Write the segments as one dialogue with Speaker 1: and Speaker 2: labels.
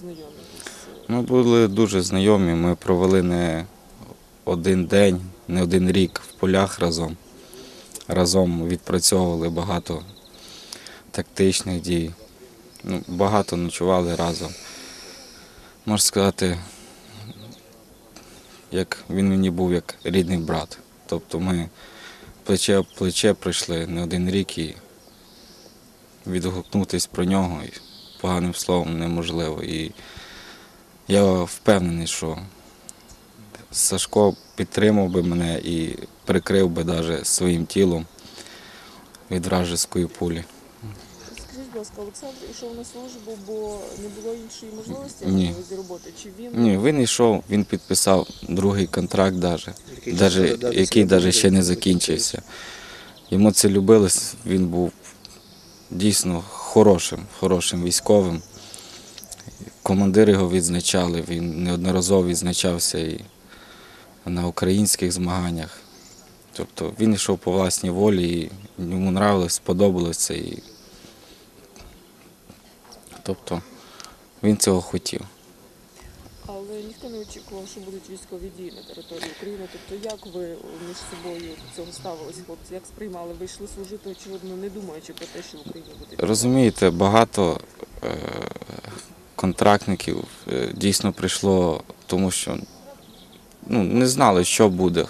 Speaker 1: знайомі?
Speaker 2: Ми були дуже знайомі, ми провели не один день, не один рік в полях разом. Разом відпрацьовували багато тактичних дій, багато ночували разом. Можна сказати, як він мені був як рідний брат. Тобто ми плече об плече пройшли не один рік і відгукнутися про нього поганим словом неможливо. І я впевнений, що Сашко підтримав би мене і прикрив би навіть своїм тілом від вражеської пулі.
Speaker 1: Скажіть, будь ласка, Олександр йшов на службу, бо не було іншої можливості
Speaker 2: Ні.
Speaker 1: роботи? Чи він...
Speaker 2: Ні, він йшов, він підписав другий контракт, який навіть ще не закінчився. Йому це любилось, він був дійсно хорошим військовим. Командири його відзначали, він неодноразово відзначався і на українських змаганнях. Тобто він йшов по власній волі, і йому нравилось, сподобалось це. Тобто він цього хотів.
Speaker 1: Але ніхто не очікував, що будуть військові дії на території України. Тобто як ви між собою до цього ставилися, хлопці? Як сприймали? Ви йшли служити, очевидно, не думаючи про те, що в Україні буде війна?
Speaker 2: Розумієте, багато контрактників дійсно прийшло, тому що не знали, що буде.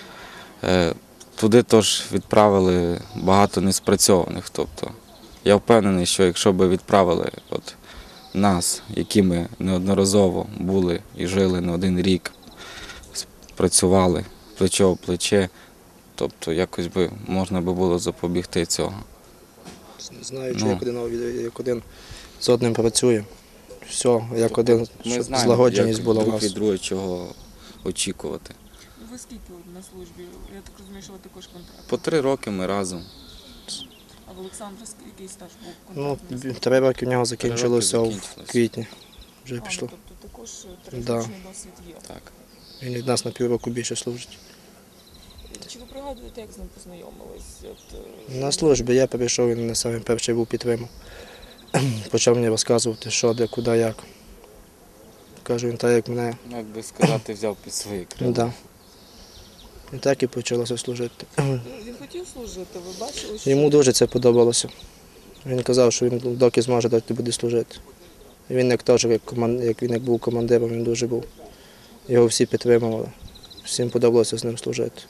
Speaker 2: Туди теж відправили багато неспрацьованих. Тобто, я впевнений, що якщо б відправили нас, які ми неодноразово були і жили не один рік, працювали плече об плече, тобто якось би можна було запобігти цього.
Speaker 3: Знаючи, як один з одним працює, все, як один, щоб злагодженість була у
Speaker 2: друг
Speaker 3: нас.
Speaker 2: від друга чого очікувати.
Speaker 1: Ви скільки на службі? Я так розумію, що ви також контракт.
Speaker 2: По 3 роки ми разом.
Speaker 1: А в Олександра який стаж був
Speaker 3: Ну,
Speaker 1: контрактний?
Speaker 3: 3 роки в нього закінчилося в
Speaker 2: закінчилося.
Speaker 3: квітні. Вже пішло.
Speaker 1: Тобто також
Speaker 3: Да.
Speaker 1: трирічний досвід є.
Speaker 2: Так.
Speaker 3: Він від нас на півроку більше служить.
Speaker 1: Чи ви пригадуєте, як з ним познайомились?
Speaker 3: На службі я прийшов, він не самий перший був підтримав. Почав мені розказувати, що, де, куди, як. Кажу, він так, як мене.
Speaker 2: Як би сказати, взяв під свої крила.
Speaker 3: Да. І так і почалося служити.
Speaker 1: Він хотів служити, ви бачили, що...
Speaker 3: Йому дуже це подобалося. Він казав, що він доки зможе, доки буде служити. І він як теж, як він був командиром, він дуже був. Його всі підтримували. Всім подобалося з ним служити.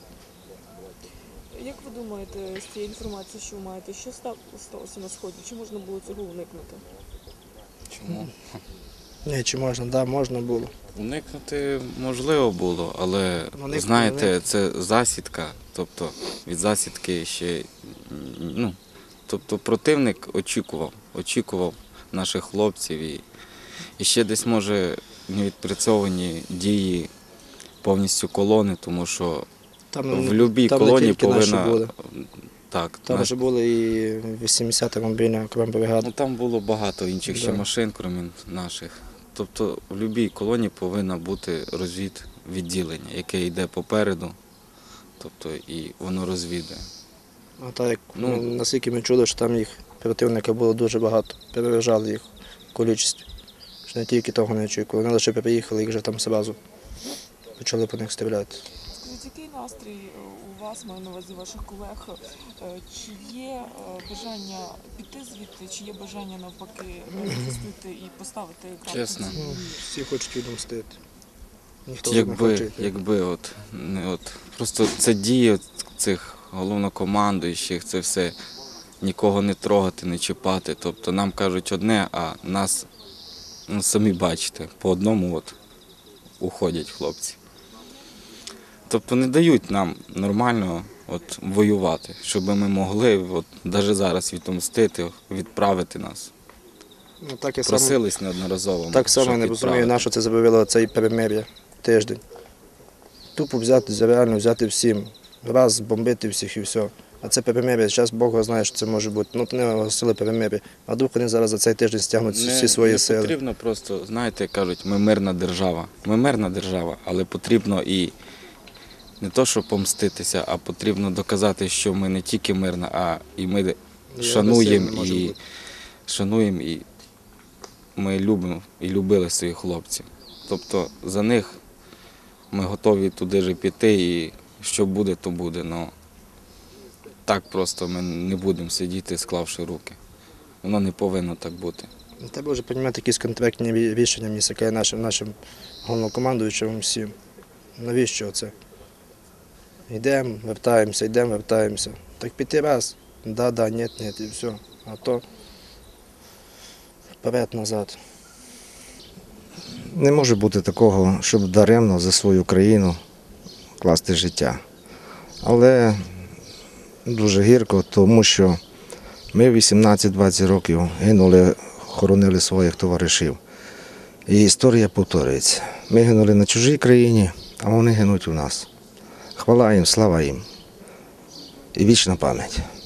Speaker 1: Як ви думаєте, з цієї інформації, що ви маєте, що сталося на Сході? Чи можна було цього уникнути?
Speaker 2: Чому?
Speaker 3: Ні, чи можна? Так, да, можна було.
Speaker 2: Уникнути можливо було, але
Speaker 3: Уникнути
Speaker 2: знаєте, це засідка, тобто від засідки ще, тобто противник очікував наших хлопців і ще десь може не відпрацьовані дії повністю колони, тому що в будь-якій колоні повинна... Так,
Speaker 3: Там вже були і 80-та мобільна окрема бригада.
Speaker 2: там було багато інших ще машин, крім наших. Тобто в будь-якій колоні повинно бути розвідвідділення, яке йде попереду, тобто і воно розвідує.
Speaker 3: А так, як наскільки ми чули, що там їх противника було дуже багато, переважали їх в кількості. Що не тільки того не очікували, вони лише приїхали і вже там одразу почали по них стріляти.
Speaker 1: Скажіть, який настрій у вас, маю на увазі ваших колег? Чи є бажання піти звідти, чи є бажання навпаки захистити і поставити крапку?
Speaker 2: Чесно.
Speaker 3: Всі хочуть відомстити. Ніхто не хоче.
Speaker 2: Якби просто це дії цих головнокомандуючих, це все нікого не трогати, не чіпати. Тобто нам кажуть одне, а нас, самі бачите, по одному уходять хлопці. Тобто не дають нам нормально воювати, щоб ми могли навіть зараз відомстити, відправити нас. Просились неодноразово.
Speaker 3: Так само я не розумію, на що це зробило цей перемир'я тиждень. Тупо взяти, реально взяти всім, раз бомбити всіх і все. А це перемир'я, зараз Бог знає, що це може бути. Ну, то не оголосили перемир'я. А вдруг вони зараз за цей тиждень стягнуть всі свої сили.
Speaker 2: Не потрібно просто, знаєте, кажуть, ми мирна держава. Ми мирна держава, але потрібно і не то, щоб помститися, а потрібно доказати, що ми не тільки мирна, а і ми шануємо і ми любимо і любили своїх хлопців. Тобто за них ми готові туди ж піти, і що буде, то буде. Но так просто ми не будемо сидіти, склавши руки. Воно не повинно так бути.
Speaker 3: Треба вже приймати якісь контрактні рішення, мені таке нашим головнокомандуючим всім. Навіщо це? Йдемо, вертаємося. Так піти раз, да, ні, і все. А то вперед-назад.
Speaker 4: Не може бути такого, щоб даремно за свою країну класти життя. Але дуже гірко, тому що ми 18-20 років гинули, хоронили своїх товаришів. І історія повторюється. Ми гинули на чужій країні, а вони гинуть у нас. Хвала їм, слава їм і вічна пам'ять.